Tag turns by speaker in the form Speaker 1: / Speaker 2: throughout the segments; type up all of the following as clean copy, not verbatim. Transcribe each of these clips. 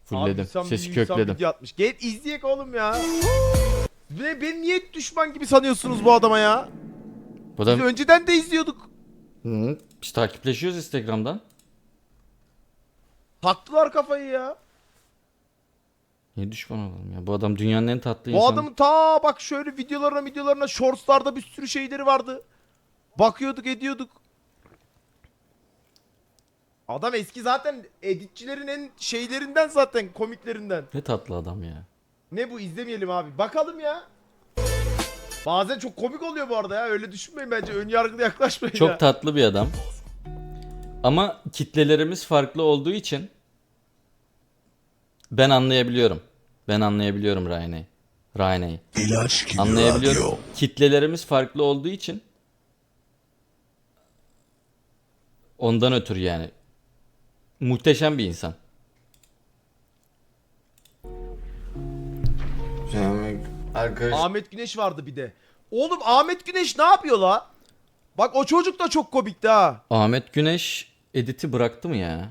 Speaker 1: Fullledim.
Speaker 2: Abi,
Speaker 1: Sesi
Speaker 2: insan
Speaker 1: kökledim.
Speaker 2: video atmış. Gel izleyek oğlum ya. Ve beni niye düşman gibi sanıyorsunuz bu adama ya?
Speaker 1: Bu
Speaker 2: Biz
Speaker 1: da
Speaker 2: önceden de izliyorduk.
Speaker 1: Hı, biz takipleşiyoruz Instagram'dan.
Speaker 2: Taktılar kafayı ya.
Speaker 1: Niye düşman olalım ya? Bu adam dünyanın en tatlı
Speaker 2: Bu
Speaker 1: insanı.
Speaker 2: adamın ta bak şöyle videolarına shortslarda bir sürü şeyleri vardı. Bakıyorduk ediyorduk. Adam eski zaten editçilerin en şeylerinden zaten komiklerinden.
Speaker 1: Ne tatlı adam ya.
Speaker 2: Ne bu izlemeyelim abi. Bakalım ya. Bazen çok komik oluyor bu arada ya. Öyle düşünmeyin bence. Ön yargılı yaklaşmayın ya.
Speaker 1: Çok tatlı bir adam. Ama kitlelerimiz farklı olduğu için ben anlayabiliyorum. Ben anlayabiliyorum Ryan'ı. Anlayabiliyorum. Kitlelerimiz farklı olduğu için ondan ötürü yani. Muhteşem bir insan. Arkadaş
Speaker 2: Ahmet Güneş vardı bir de. Oğlum Ahmet Güneş ne yapıyor la? Bak o çocuk da çok komikti ha.
Speaker 1: Ahmet Güneş editi bıraktı mı ya?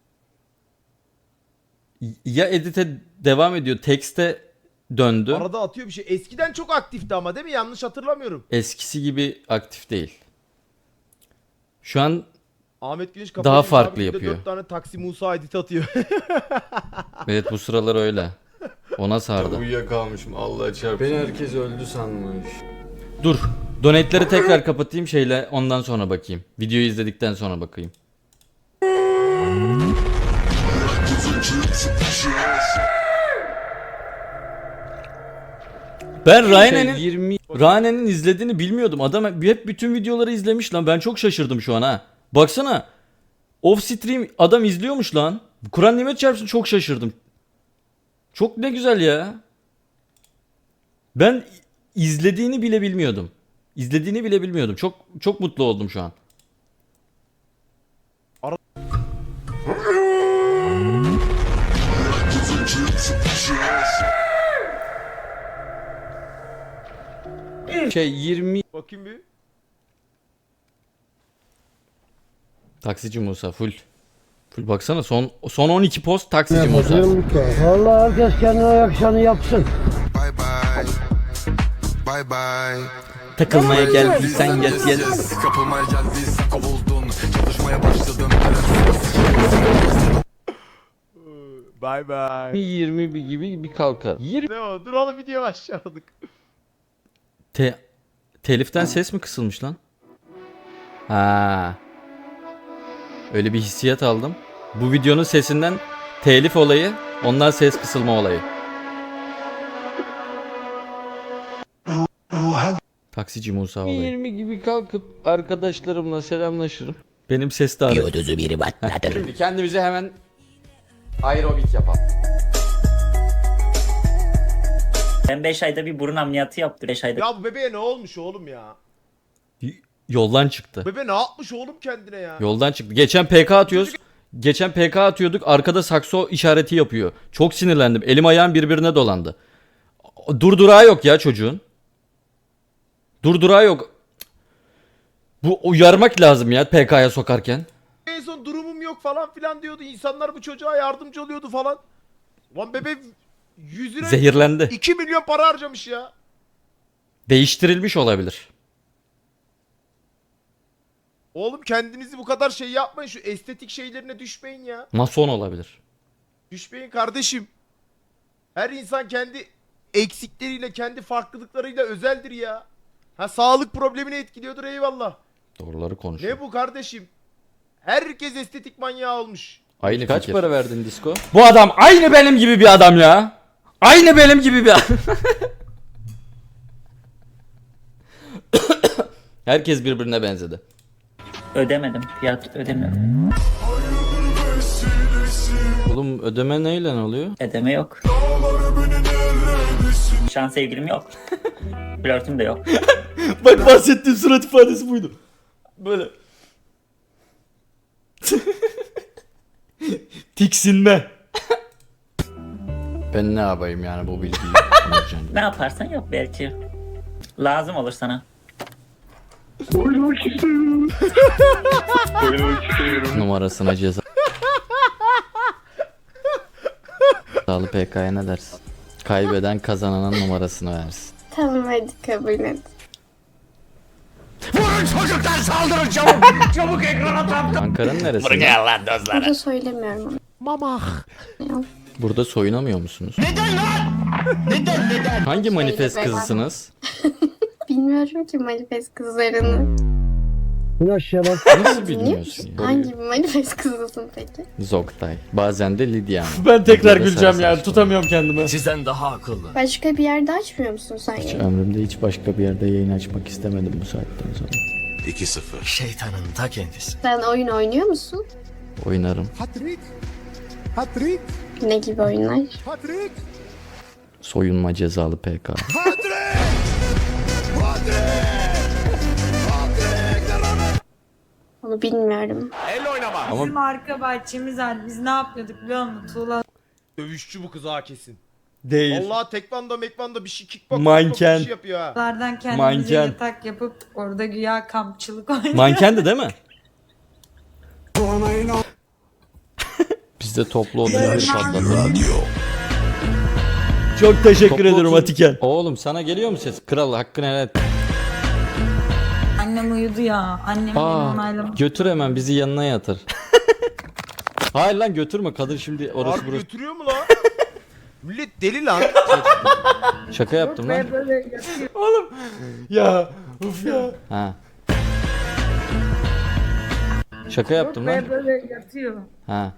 Speaker 1: Ya edite devam ediyor, tekste döndü.
Speaker 2: Arada atıyor bir şey. Eskiden çok aktifti ama değil mi? Yanlış hatırlamıyorum.
Speaker 1: Eskisi gibi aktif değil. Şu an
Speaker 2: Ahmet Güneş
Speaker 1: Daha
Speaker 2: kafayı
Speaker 1: farklı
Speaker 2: abi, günde
Speaker 1: yapıyor.
Speaker 2: 4 tane Taksi Musa edit atıyor.
Speaker 1: evet bu sıralar öyle. Ona sardı.
Speaker 3: Uyuyakalmışım Allah çarpsın. Beni herkes öldü sanmış.
Speaker 1: Dur. Donate'leri tekrar kapatayım şeyle ondan sonra bakayım. Videoyu izledikten sonra bakayım. Ben Ryan'ın izlediğini bilmiyordum. Adam hep bütün videoları izlemiş lan. Ben çok şaşırdım şu an ha. Baksana. Off stream adam izliyormuş lan. Kur'an nimet çarpsın çok şaşırdım. Çok ne güzel ya. Ben izlediğini bile bilmiyordum. İzlediğini bile bilmiyordum. Çok mutlu oldum şu an. Şey 20
Speaker 2: Bakayım bir.
Speaker 1: Taksici Musa full. Full baksana son 12 post taksici Musa.
Speaker 4: Vallahi herkes kendine yakışanı yapsın.
Speaker 5: Bye bye. Bye bye.
Speaker 1: Takılmaya geldiysen gel.
Speaker 5: Kapılmaya geldiysen kovuldun. Çalışmaya başladım.
Speaker 2: Bye bye.
Speaker 1: 20 gibi bir kalkar. 20
Speaker 2: Ne o? Dur oğlum video başladık.
Speaker 1: Teliften ses mi kısılmış lan? Ha. Öyle bir hissiyat aldım. Bu videonun sesinden telif olayı, ondan ses kısılma olayı. Taksici Musa olayı. 20 gibi kalkıp arkadaşlarımla selamlaşırım. Benim ses de ağrıyor.
Speaker 6: Yoduzu biri batlatır.
Speaker 1: Şimdi kendimize hemen aerobik yapalım.
Speaker 6: Ben 5 ayda bir burun ameliyatı yaptım. 5 ayda
Speaker 2: Ya bu bebeğe ne olmuş oğlum ya?
Speaker 1: Yoldan çıktı.
Speaker 2: Bebe ne yapmış oğlum kendine ya?
Speaker 1: Yoldan çıktı. Geçen PK atıyoruz. Geçen PK atıyorduk. Arkada sakso işareti yapıyor. Çok sinirlendim. Elim ayağım birbirine dolandı. Durdurağı yok ya çocuğun. Durdurağı yok. Bu uyarmak lazım ya PK'ya sokarken.
Speaker 2: En son durumum yok falan filan diyordu. İnsanlar bu çocuğa yardımcı oluyordu falan. Lan bebe 100 lira
Speaker 1: Zehirlendi.
Speaker 2: 2 milyon para harcamış ya.
Speaker 1: Değiştirilmiş olabilir.
Speaker 2: Oğlum kendinizi bu kadar şey yapmayın. Şu estetik şeylerine düşmeyin ya.
Speaker 1: Mason olabilir.
Speaker 2: Düşmeyin kardeşim. Her insan kendi eksikleriyle, kendi farklılıklarıyla özeldir ya. Ha sağlık problemini etkiliyordur eyvallah.
Speaker 1: Doğruları konuşuyor.
Speaker 2: Ne bu kardeşim? Herkes estetik manyağı olmuş.
Speaker 1: Aynı kaç fikir. Para verdin Disco? Bu adam aynı benim gibi bir adam ya. Aynı benim gibi bir adam. Herkes birbirine benzedi.
Speaker 6: ödemedim. Fiyat ödemiyorum.
Speaker 1: Oğlum ödeme neyle oluyor?
Speaker 6: Ödeme yok. Şu an sevgilim yok. Flörtüm de yok.
Speaker 1: Bak bahsettiğim surat ifadesi buydu. Böyle. Tiksinme. Ben ne yapayım yani bu bilgiyi?
Speaker 6: Ne yaparsan yap belki. Lazım olur sana.
Speaker 1: Numarasına ceza. Sağlı PK'ya ne dersin? Kaybeden kazananın numarasını versin.
Speaker 7: Tamam hadi kabul et.
Speaker 1: Ankara'nın neresi?
Speaker 7: Burada söylemiyorum ama.
Speaker 1: Burada soyunamıyor musunuz? Neden lan? Hangi manifest
Speaker 7: Şeyle
Speaker 1: kızısınız?
Speaker 7: Bilmiyorum ki manifest kızlarını.
Speaker 4: İn aşağı bak.
Speaker 1: Nasıl
Speaker 7: Dinliyor
Speaker 1: bilmiyorsun
Speaker 7: musun?
Speaker 1: ya?
Speaker 7: Hangi bir manifest kızısın peki?
Speaker 1: Zoktay. Bazen de Lidya.
Speaker 3: Ben tekrar
Speaker 1: Burada
Speaker 3: güleceğim
Speaker 1: sarı
Speaker 3: ya.
Speaker 1: saçlı.
Speaker 3: Tutamıyorum kendimi.
Speaker 7: Başka bir yerde açmıyor musun sen
Speaker 1: Hiç
Speaker 7: yayını?
Speaker 1: ömrümde hiç başka bir yerde yayın açmak istemedim bu saatten sonra.
Speaker 5: 2-0.
Speaker 8: Şeytanın ta kendisi.
Speaker 7: Sen oyun oynuyor musun?
Speaker 1: Oynarım.
Speaker 7: Ne gibi oyunlar?
Speaker 1: Soyunma cezalı PK.
Speaker 7: Onu bilmiyorum.
Speaker 1: Ama
Speaker 9: Bizim arka bahçemiz var. Biz ne yapıyorduk biliyor musun? Tuğla
Speaker 2: Dövüşçü bu kız ha kesin.
Speaker 1: değil.
Speaker 2: Allah tekvando mekvando bir şey kickbox
Speaker 1: Manken.
Speaker 2: bir şey yapıyor ha.
Speaker 9: Lardan kendimize
Speaker 1: Manken.
Speaker 9: yatak yapıp orada güya kampçılık oynuyor.
Speaker 1: Mankendi değil mi? Biz de toplu odaları patlatalım. Çok teşekkür ederim Atiken. Oğlum sana geliyor mu ses? Kral hakkını helal et.
Speaker 9: Annem uyudu ya. Annem beni
Speaker 1: Aa,
Speaker 9: onaylamış.
Speaker 1: götür hemen bizi yanına yatır. Hayır lan götürme kadın şimdi orası
Speaker 2: Harbi
Speaker 1: burası.
Speaker 2: götürüyor mu lan? Millet deli lan.
Speaker 1: Şaka yaptım lan.
Speaker 3: Ya. Uf ya.
Speaker 1: Ha. Şaka yaptım lan.
Speaker 9: Böyle yatıyor.
Speaker 1: Ha.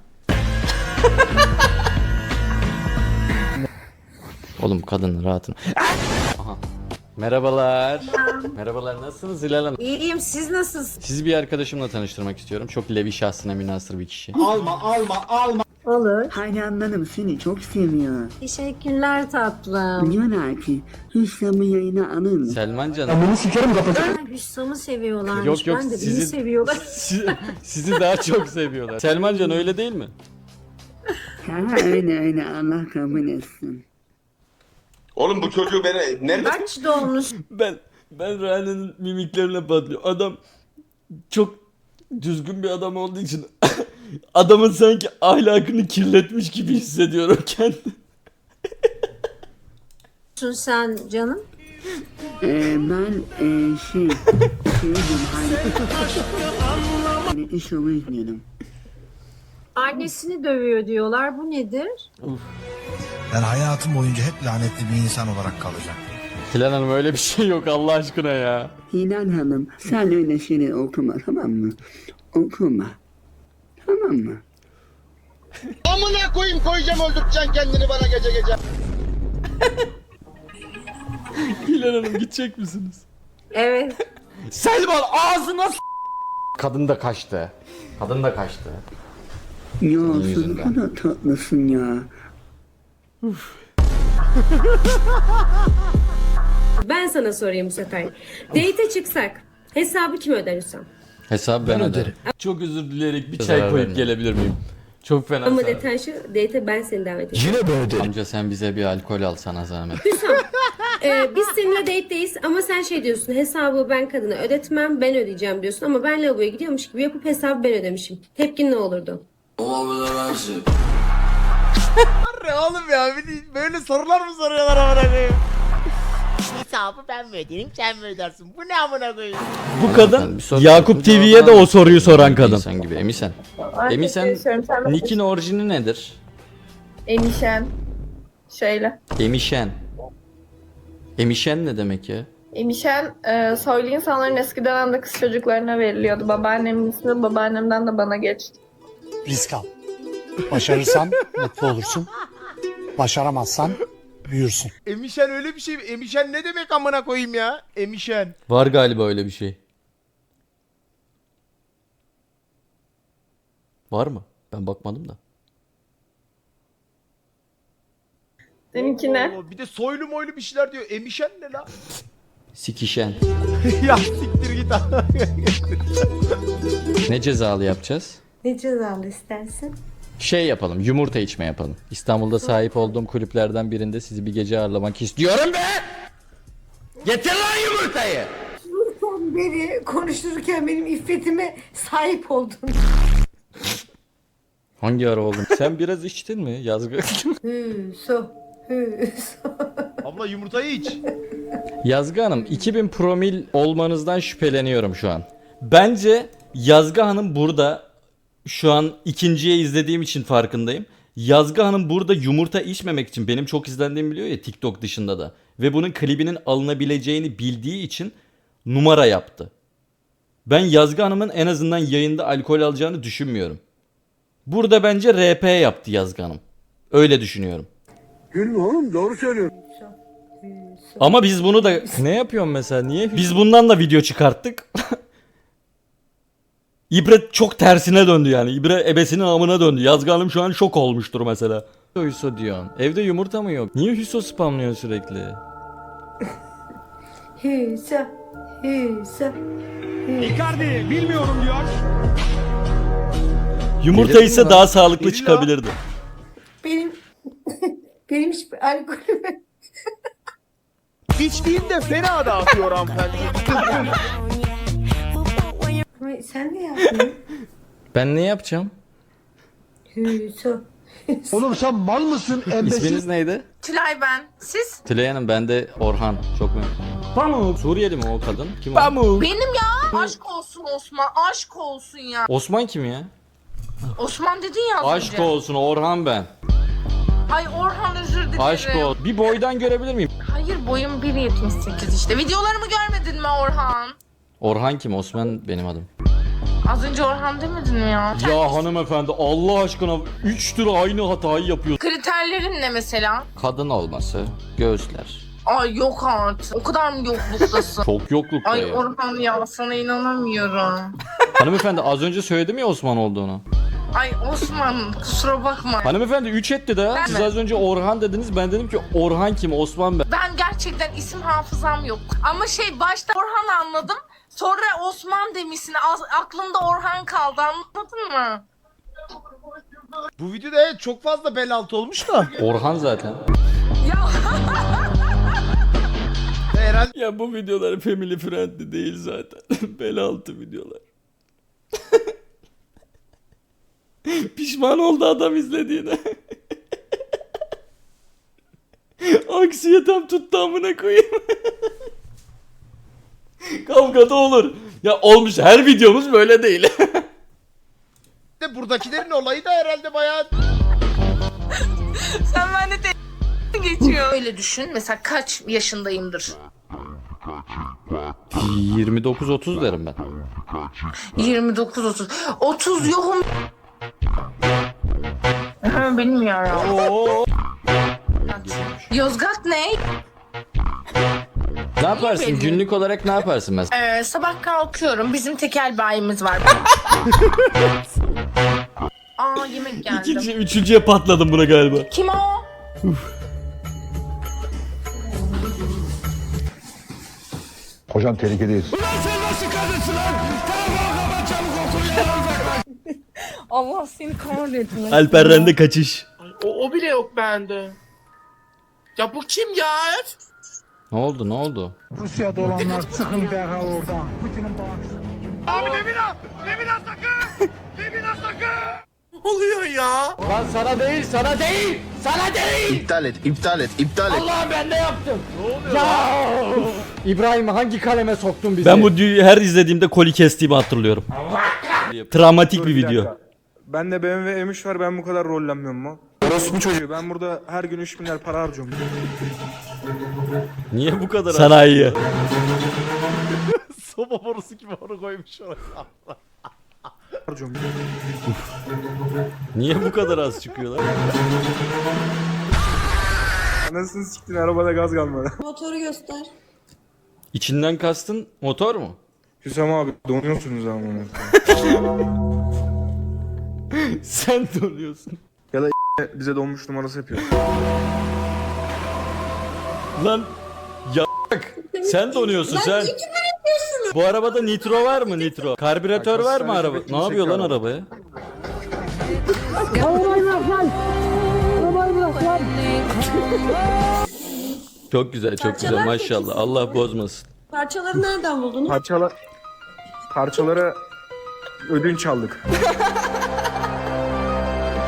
Speaker 1: Oğlum kadın rahatın. Aha. Merhabalar. Merhabalar nasılsınız Hilal Hanım?
Speaker 9: İyiyim, siz nasılsınız?
Speaker 1: Sizi bir arkadaşımla tanıştırmak istiyorum. Çok levi şahsına münhasır bir kişi.
Speaker 10: Olur. Hayranlarım seni çok seviyor.
Speaker 9: Teşekkürler tatlım.
Speaker 10: Diyorlar ki Hüsnü yayına alın.
Speaker 1: Selman canım.
Speaker 9: Hüsam'ı seviyorlarmış.
Speaker 1: Yok yok
Speaker 9: Ben de
Speaker 1: sizi,
Speaker 9: beni seviyorlar.
Speaker 1: sizi daha çok seviyorlar. Selman can öyle değil mi?
Speaker 10: Ha öyle Allah kabul etsin.
Speaker 5: Oğlum bu çocuğu beni nerede?
Speaker 9: Kaç doğmuş?
Speaker 1: Ben Ryan'ın mimiklerine patlıyor. Adam çok düzgün bir adam olduğu için adamın sanki ahlakını kirletmiş gibi hissediyorum kendimi.
Speaker 9: Sen canım?
Speaker 10: Ben şeydim hani iş yolu izliyorum.
Speaker 9: Annesini dövüyor diyorlar. Bu nedir?
Speaker 8: Ben hayatım boyunca hep lanetli bir insan olarak kalacağım.
Speaker 1: Hilal Hanım öyle bir şey yok Allah aşkına ya.
Speaker 10: Hilal Hanım sen öyle şeyler okuma tamam mı? Okuma. Tamam mı?
Speaker 2: Amına koyayım koyacağım öldüreceksin kendini bana gece gece.
Speaker 1: Hilal Hanım gidecek misiniz?
Speaker 9: Evet.
Speaker 1: Selman ağzına Kadın da kaçtı. Kadın da kaçtı.
Speaker 10: Ya sen
Speaker 1: yüzünden.
Speaker 10: ne kadar tatlısın ya.
Speaker 11: Ben sana sorayım bu sefer. Date'e çıksak hesabı kim öder Hüsam?
Speaker 1: Hesabı ben öderim. Çok özür dileyerek bir çay koyup gelebilir miyim? Çok fena.
Speaker 11: Ama
Speaker 1: sana.
Speaker 11: detay şu, date'e ben seni davet edeceğim.
Speaker 1: Amca sen bize bir alkol al sana zahmet.
Speaker 11: Hüsam, biz seninle date'deyiz ama sen şey diyorsun, hesabı ben kadına ödetmem, ben ödeyeceğim diyorsun ama ben lavaboya gidiyormuş gibi yapıp hesabı ben ödemişim. Tepkin ne olurdu?
Speaker 2: Oğlum ya böyle sorular mı soruyorlar amına koyayım? Hesabı ben mi ödeyeyim sen mi ödersin? Bu ne amına koyayım?
Speaker 1: Bu kadın Bir soru Yakup sordum, TV'ye de cevabını o soruyu soran kadın. İnsan gibi. Emisen. Emisen Nick'in orijini nedir?
Speaker 7: Emişen. Şöyle.
Speaker 1: Emişen. Emişen ne demek ya?
Speaker 7: Emişen soylu insanların eski dönemde kız çocuklarına veriliyordu. Babaannemin ismi babaannemden de bana geçti.
Speaker 8: Risk al. Başarırsan mutlu olursun. Başaramazsan büyürsün.
Speaker 2: Emişen öyle bir şey mi? Emişen ne demek amına koyayım ya? Emişen.
Speaker 1: Var galiba öyle bir şey. Var mı? Ben bakmadım da.
Speaker 7: Seninki ne?
Speaker 2: Allah, bir de soylu moylu bir şeyler diyor. Emişen ne lan?
Speaker 1: Sikişen.
Speaker 2: Ya siktir git amına koyayım.
Speaker 1: Ne cezalı yapacağız?
Speaker 9: Ne cezalı istersin?
Speaker 1: Şey yapalım, yumurta içme yapalım. İstanbul'da sahip olduğum kulüplerden birinde sizi bir gece ağırlamak istiyorum be! Getir lan yumurtayı!
Speaker 9: Beri konuşurken benim iffetime sahip oldun.
Speaker 1: Hangi ara oldun? Sen biraz içtin mi Yazgı?
Speaker 2: Abla yumurtayı iç.
Speaker 1: Yazgı Hanım 2000 promil olmanızdan şüpheleniyorum şu an. Bence Yazgı Hanım burada şu an ikinciye izlediğim için farkındayım. Yazgı Hanım burada yumurta içmemek için benim çok izlendiğimi biliyor ya TikTok dışında da. Ve bunun klibinin alınabileceğini bildiği için numara yaptı. Ben Yazgı Hanım'ın en azından yayında alkol alacağını düşünmüyorum. Burada bence RP yaptı Yazgı Hanım. Öyle düşünüyorum.
Speaker 4: Gülme oğlum doğru söylüyorsun.
Speaker 1: Ama biz bunu da... Ne yapıyorsun mesela? Niye? Biz bundan da video çıkarttık. İbre çok tersine döndü yani. İbre ebesinin amına döndü. Yazgı Hanım şu an şok olmuştur mesela. Hüso diyorsun. Evde yumurta mı yok? Niye Hüso spamlıyorsun sürekli?
Speaker 4: Icardi bilmiyorum diyor.
Speaker 1: Yumurta ise daha sağlıklı çıkabilirdi.
Speaker 11: Benim hiçbir alkolüm
Speaker 2: İçtiğinde fena dağıtıyor hanımefendi.
Speaker 11: Sen ne yaptın?
Speaker 1: Ben ne yapacağım?
Speaker 4: Oğlum sen mal mısın?
Speaker 1: İsminiz neydi?
Speaker 7: Tülay ben. Siz?
Speaker 1: Tülay Hanım, ben de Orhan. Çok memnun. Pamuk. Suriyeli mi o kadın? Kim o?
Speaker 7: Benim ya. Aşk olsun Osman. Aşk olsun ya.
Speaker 1: Osman kim ya?
Speaker 7: Osman dedin ya az
Speaker 1: Aşk
Speaker 7: önce.
Speaker 1: olsun Orhan ben.
Speaker 7: Ay Orhan özür dilerim.
Speaker 1: Aşk ol. Bir boydan görebilir miyim?
Speaker 7: Hayır boyum 1.78 işte. Videolarımı görmedin mi Orhan?
Speaker 1: Orhan kim? Osman benim adım.
Speaker 7: Az önce Orhan demedin mi ya?
Speaker 1: Ya hanımefendi Allah aşkına 3 tür aynı hatayı yapıyor.
Speaker 7: Kriterlerin ne mesela?
Speaker 1: Kadın olması, göğüsler.
Speaker 7: Ay yok artık. O kadar mı yokluktasın?
Speaker 1: Çok yoklukta
Speaker 7: Ay
Speaker 1: ya.
Speaker 7: Orhan ya sana inanamıyorum.
Speaker 1: Hanımefendi az önce söyledim ya Osman olduğunu.
Speaker 7: Ay Osman kusura bakma.
Speaker 1: Hanımefendi 3 etti de.
Speaker 7: Ben
Speaker 1: Siz
Speaker 7: mi?
Speaker 1: az önce Orhan dediniz. Ben dedim ki Orhan kim? Osman ben.
Speaker 7: Ben gerçekten isim hafızam yok. Ama başta Orhan anladım. Sonra Osman demişsin. Aklımda Orhan kaldı anladın mı?
Speaker 2: Bu videoda evet çok fazla bel altı olmuş da.
Speaker 1: Orhan zaten.
Speaker 7: Ya
Speaker 2: Herhalde
Speaker 1: Ya bu videolar family friendly değil zaten. Bel altı videolar. Pişman oldu adam izlediğine. Aksiyetem tuttu amına koyayım. Kavga da olur. Ya olmuş, her videomuz böyle değil.
Speaker 2: de buradakilerin olayı da herhalde bayağı...
Speaker 7: sen bende geçiyor. Öyle düşün. Mesela kaç yaşındayımdır?
Speaker 1: 29-30 derim ben.
Speaker 7: 29-30. 30 yokum. Bilmiyorum. Yozgat ne?
Speaker 1: Ne yaparsın?
Speaker 7: belli?
Speaker 1: Günlük olarak ne yaparsın mesela?
Speaker 7: Sabah kalkıyorum. Bizim tekel bayimiz var. Aa yemek geldi.
Speaker 1: Üçüncüye patladım buna galiba.
Speaker 7: Kim o?
Speaker 8: Hocam tehlikedeyiz.
Speaker 9: Allah seni kahretsin.
Speaker 1: Alper'den de kaçış.
Speaker 12: O bile yok bende. Ya bu kim ya?
Speaker 1: Ne oldu, ne oldu?
Speaker 4: Rusya'da olanlar çıkın derhal oradan. Putin'in bağımsız.
Speaker 12: Ne oluyor ya?
Speaker 1: Lan sana değil, sana değil! Sana değil!
Speaker 5: İptal et, iptal et, iptal et.
Speaker 1: Allah ben ne yaptım? Ne oluyor ya? İbrahim hangi kaleme soktun bizi? Ben bu her izlediğimde koli kestiğimi hatırlıyorum. Travmatik bir video.
Speaker 12: Ben de BMW M3 var, ben bu kadar rollenmiyorum mu? Orospu çocuğu, ben burada her gün 3 milyar para harcıyorum.
Speaker 1: Niye bu kadar sanayi?
Speaker 2: Soba borusu gibi onu koymuş oraya.
Speaker 12: Harcıyorum.
Speaker 1: Niye bu kadar az çıkıyorlar?
Speaker 12: Anasını siktin, arabada gaz kalmadı.
Speaker 11: Motoru göster.
Speaker 1: İçinden kastın motor mu?
Speaker 12: Hüsam abi donuyorsunuz ama.
Speaker 1: Sen donuyorsun.
Speaker 12: Bize donmuş numarası yapıyor.
Speaker 1: Lan ya sen donuyorsun sen. Bu arabada nitro var mı nitro? Karbüratör
Speaker 12: Bak,
Speaker 1: var mı
Speaker 12: hastanede
Speaker 1: araba? Ne
Speaker 12: bekleyin,
Speaker 1: yapıyor lan
Speaker 12: çekiyor
Speaker 1: arabaya? Çok güzel, çok güzel
Speaker 11: Parçalar
Speaker 1: maşallah.
Speaker 11: peki
Speaker 1: Allah bozmasın.
Speaker 11: Parçaları nereden buldunuz?
Speaker 12: Parçalara ödünç aldık.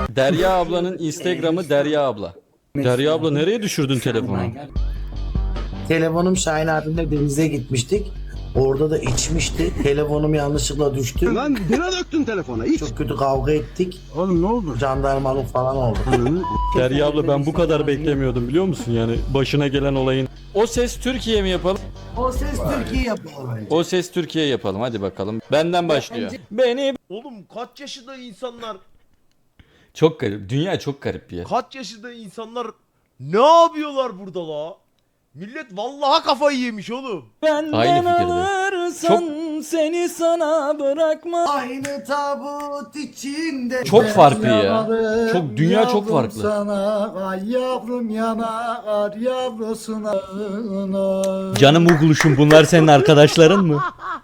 Speaker 1: Derya ablanın Instagram'ı Derya abla. Derya abla nereye düşürdün telefonu?
Speaker 8: Telefonum Şahin abimle denize gitmiştik. Orada da içmişti. Telefonum yanlışlıkla düştü.
Speaker 4: Lan bira döktün telefona.
Speaker 8: Çok kötü kavga ettik.
Speaker 4: Oğlum ne oldu?
Speaker 8: Jandarmalık falan oldu.
Speaker 1: Derya abla ben bu kadar beklemiyordum biliyor musun yani başına gelen olayın. O Ses Türkiye mi yapalım?
Speaker 8: O ses Türkiye yapalım.
Speaker 1: O Ses Türkiye yapalım hadi bakalım. Benden başlıyor. Beni
Speaker 2: Oğlum kaç yaşında insanlar,
Speaker 1: çok garip. Dünya çok garip bir yer.
Speaker 2: kaç yaşında insanlar ne yapıyorlar burada la? Millet vallahi kafayı yemiş oğlum.
Speaker 1: Aynı fikirde. Çok
Speaker 3: seni sana bırakma.
Speaker 8: Aynı tabut içinde.
Speaker 1: Çok farklı ya. Çok dünya çok farklı.
Speaker 8: Sana, ay yavrum yanar yavrusuna.
Speaker 1: Canım Uğuluşum bunlar senin arkadaşların mı?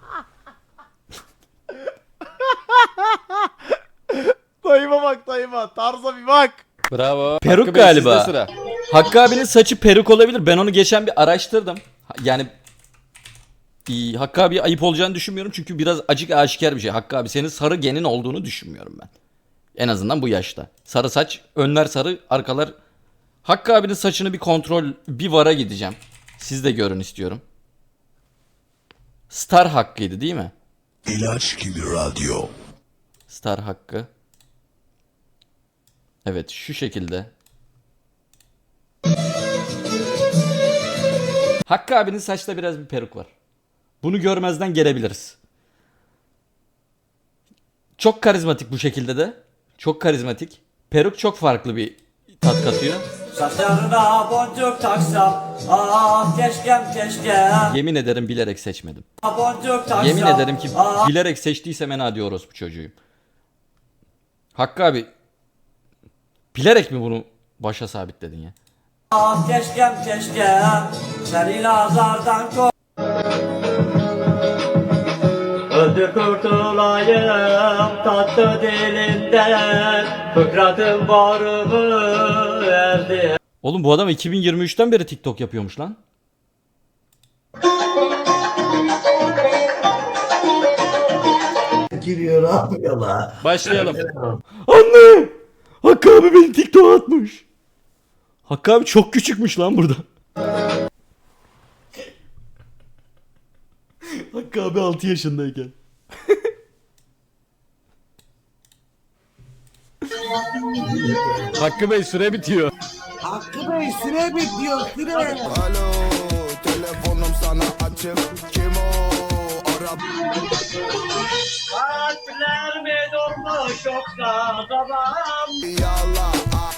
Speaker 2: Dayıma bak dayıma, tarza bir bak.
Speaker 1: Bravo.
Speaker 3: Hakkı
Speaker 1: Peruk
Speaker 3: Bey,
Speaker 1: galiba.
Speaker 3: sizde sıra.
Speaker 1: Hakkı abinin saçı peruk olabilir. Ben onu geçen bir araştırdım. Yani Hakkı abi ayıp olacağını düşünmüyorum çünkü biraz acık aşikar bir şey. Hakkı abi senin sarı genin olduğunu düşünmüyorum ben. En azından bu yaşta. Sarı saç, önler sarı, arkalar. Hakkı abinin saçını bir kontrol, bir vara gideceğim. Siz de görün istiyorum. Star Hakkı'ydı değil mi?
Speaker 8: İlaç gibi radyo.
Speaker 1: Star Hakkı. Evet şu şekilde. Hakkı abinin saçta biraz bir peruk var. Bunu görmezden gelebiliriz. Çok karizmatik bu şekilde de. Çok karizmatik. Peruk çok farklı bir tat katıyor.
Speaker 6: Saçlarına boncuk taksam, ah keşkem keşke.
Speaker 1: Yemin ederim bilerek seçmedim.
Speaker 6: Boncuk taksam.
Speaker 1: Yemin ederim ki bilerek seçtiysem en adi orospu çocuğuyum. Hakkı abi bilerek mi bunu başa sabitledin ya?
Speaker 6: Ah keşkem keşke. Seni nazardan koy. Öldü kurtulayım tatlı dilinden. Fıkratım varımı erdi.
Speaker 1: Oğlum bu adam 2023'ten beri TikTok yapıyormuş lan.
Speaker 8: Giriyor abi yola.
Speaker 1: Başlayalım. Anne! Hakkı abi beni TikTok'a atmış. Hakkı abi çok küçükmüş lan burada. Hakkı abi 6 yaşındayken. Hakkı Bey süre bitiyor.
Speaker 8: Hakkı Bey süre bitiyor süre.
Speaker 5: Alo, telefonum sana açık. Kim o? Arap.
Speaker 6: Kalpler mi durmuş yoksa babam?
Speaker 5: Yallah.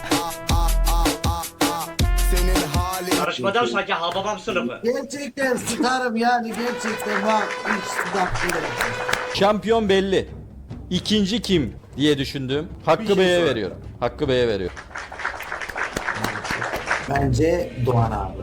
Speaker 5: Senin halin.
Speaker 6: Karışmadan sanki Hababam sınıfı.
Speaker 8: Gerçekten sıkarım yani gerçekten bak. Hiç sıkıntı.
Speaker 1: Şampiyon belli. İkinci kim diye düşündüm. Hakkı Bey'e veriyorum. Hakkı Bey'e veriyorum.
Speaker 8: Bence Doğan abi.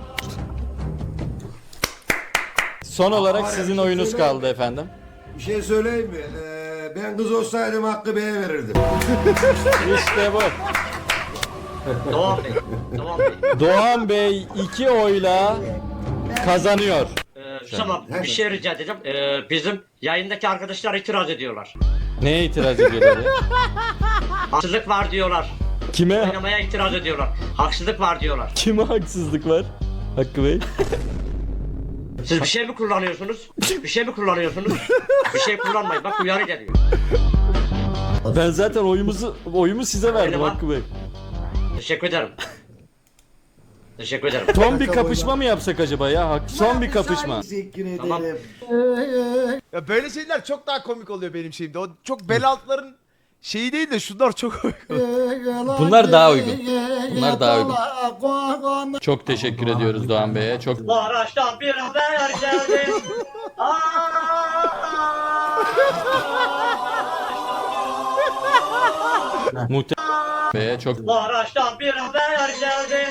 Speaker 1: Son olarak sizin oyunuz kaldı efendim.
Speaker 4: Bir şey söyleyeyim mi? Ben kız olsaydım Hakkı Bey'e verirdim.
Speaker 1: İşte bu.
Speaker 6: Doğan Bey. Doğan Bey.
Speaker 1: Doğan Bey 2 oyla kazanıyor.
Speaker 6: Tamam bir şey rica edeceğim. Bizim yayındaki arkadaşlar itiraz ediyorlar.
Speaker 1: Neye itiraz ediyorlar ya?
Speaker 6: Haksızlık var diyorlar.
Speaker 1: Kime
Speaker 6: Oynamaya itiraz ediyorlar. Haksızlık var diyorlar.
Speaker 1: kime haksızlık var? Hakkı Bey.
Speaker 6: Siz bir şey mi kullanıyorsunuz? Bir şey mi kullanıyorsunuz? Bir şey kullanmayın. Bak uyarı geliyor.
Speaker 1: Ben zaten oyumu size verdim
Speaker 6: Benim
Speaker 1: Hakkı Bey.
Speaker 6: Teşekkür ederim. Teşekkür ederim.
Speaker 1: Son bir kapışma mı yapsak acaba ya? Son bir kapışma.
Speaker 8: Teşekkür ederim.
Speaker 6: Tamam.
Speaker 2: Ya böyle şeyler çok daha komik oluyor benim şeyimde. O çok bel altların şeyi değil de şunlar çok komik oluyor.
Speaker 1: Bunlar daha uygun. Bunlar daha uygun. Çok teşekkür ediyoruz Doğan Bey'e. Çok
Speaker 6: Bu araçtan bir haber geldi.
Speaker 1: muhtemelen Bey'e çok
Speaker 6: Bu araçtan bir haber geldi.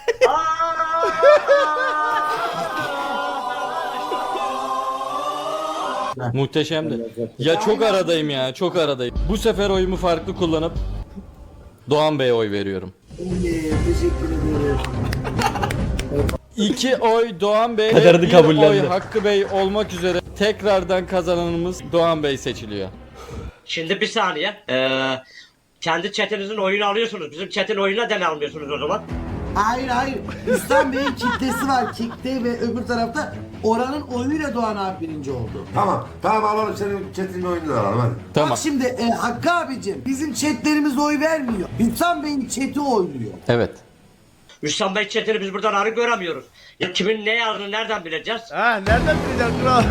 Speaker 1: muhteşemdi. Ya çok aradayım ya, çok aradayım. Bu sefer oyumu farklı kullanıp Doğan Bey'e oy veriyorum.
Speaker 8: Teşekkür ederim.
Speaker 1: 2 oy Doğan Bey,
Speaker 3: Kaderini
Speaker 1: 1
Speaker 3: kabullendi.
Speaker 1: oy Hakkı Bey olmak üzere tekrardan kazananımız Doğan Bey seçiliyor.
Speaker 6: Şimdi bir saniye. Kendi chatinizin oyunu alıyorsunuz. Bizim chatin oyununa neden almıyorsunuz o zaman?
Speaker 8: Hayır. İslam Bey'in kitlesi var. Kitle ve öbür tarafta oranın oyuyla Doğan abi birinci oldu.
Speaker 5: Tamam alalım senin chat'in oyunu da alalım hadi.
Speaker 1: Tamam.
Speaker 8: Bak şimdi Hakkı abicim bizim chatlerimiz oy vermiyor. İslam Bey'in chat'i oyluyor.
Speaker 1: Evet.
Speaker 6: Müslüm Bey chatini biz buradan arı göremiyoruz. Ya kimin ne yazdığını nereden bileceğiz?
Speaker 2: Ha nereden bileceksin kral?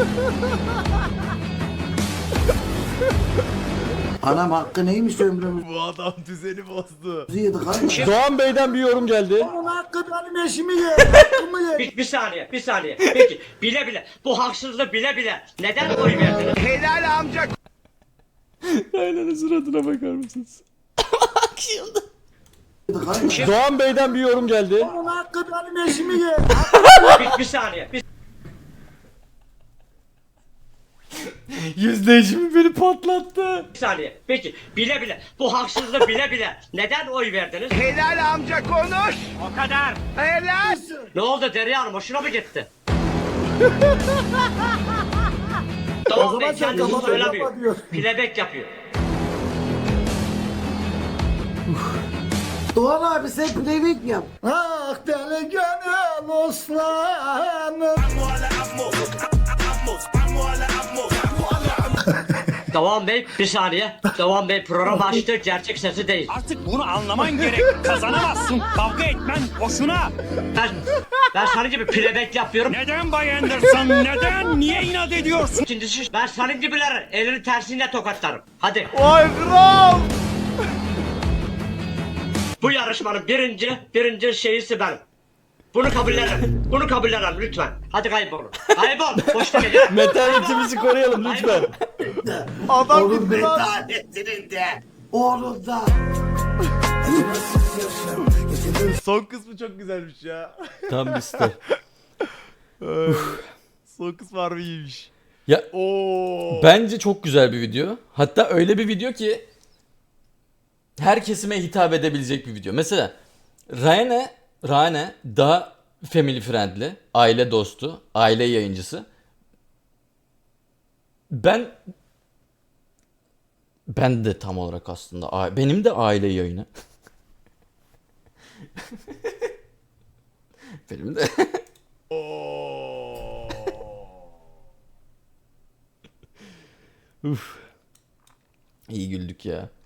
Speaker 8: Anam Hakkı neymiş ömrümüzü
Speaker 2: Bu adam düzeni bozdu.
Speaker 8: yedik hadi.
Speaker 1: Doğan Bey'den bir yorum geldi.
Speaker 8: Onun Hakkı benim eşimi ye. Hakkımı ye.
Speaker 6: Bir saniye. Peki bile bu haksızlığı bile neden oy verdiniz?
Speaker 2: Helal amca.
Speaker 1: Aynen suratına bakar mısınız?
Speaker 8: Yedik hadi.
Speaker 1: Doğan Bey'den bir yorum geldi.
Speaker 8: Onun Hakkı benim eşimi ye.
Speaker 6: Bir saniye.
Speaker 1: Yüzleşimi beni patlattı.
Speaker 6: Bir saniye. Peki bile bu haksızlığı bile neden oy verdiniz?
Speaker 2: Helal amca konuş.
Speaker 6: O kadar.
Speaker 2: Helal.
Speaker 6: Ne oldu Derya Hanım hoşuna mı gitti? Doğan Bey kendisi söylemiyor. Playback yapıyor.
Speaker 8: Doğan abi sen playback yap. Ah deli gönül oslanım.
Speaker 6: Doğan Bey bir saniye. Doğan Bey program açtı gerçek sesi değil.
Speaker 3: Artık bunu anlaman gerek. Kazanamazsın. Kavga etmen boşuna.
Speaker 6: Ben senin gibi playback yapıyorum.
Speaker 3: Neden Bay Anderson? Neden? Niye inat ediyorsun?
Speaker 6: İkincisi ben senin gibilerin elini tersiyle tokatlarım. Hadi.
Speaker 2: Vay kral.
Speaker 6: Bu yarışmanın birinci şeyisi benim. Bunu kabullenelim lütfen. Hadi kaybolun. Kaybol. Boşta gel.
Speaker 1: Metanetimizi koruyalım lütfen.
Speaker 2: Adam
Speaker 8: Onun
Speaker 2: gitti lan.
Speaker 8: metanetinin de. Onun da.
Speaker 2: Son kısmı çok güzelmiş ya.
Speaker 1: Tam liste.
Speaker 2: Son kısmı harbi iyiymiş.
Speaker 1: Ya
Speaker 2: Oo.
Speaker 1: bence çok güzel bir video. Hatta öyle bir video ki her kesime hitap edebilecek bir video. Mesela Rane daha family friendly, aile dostu, aile yayıncısı. Ben de tam olarak aslında benim de aile yayını. Benim de.
Speaker 2: Oo.
Speaker 1: Uf. İyi güldük ya.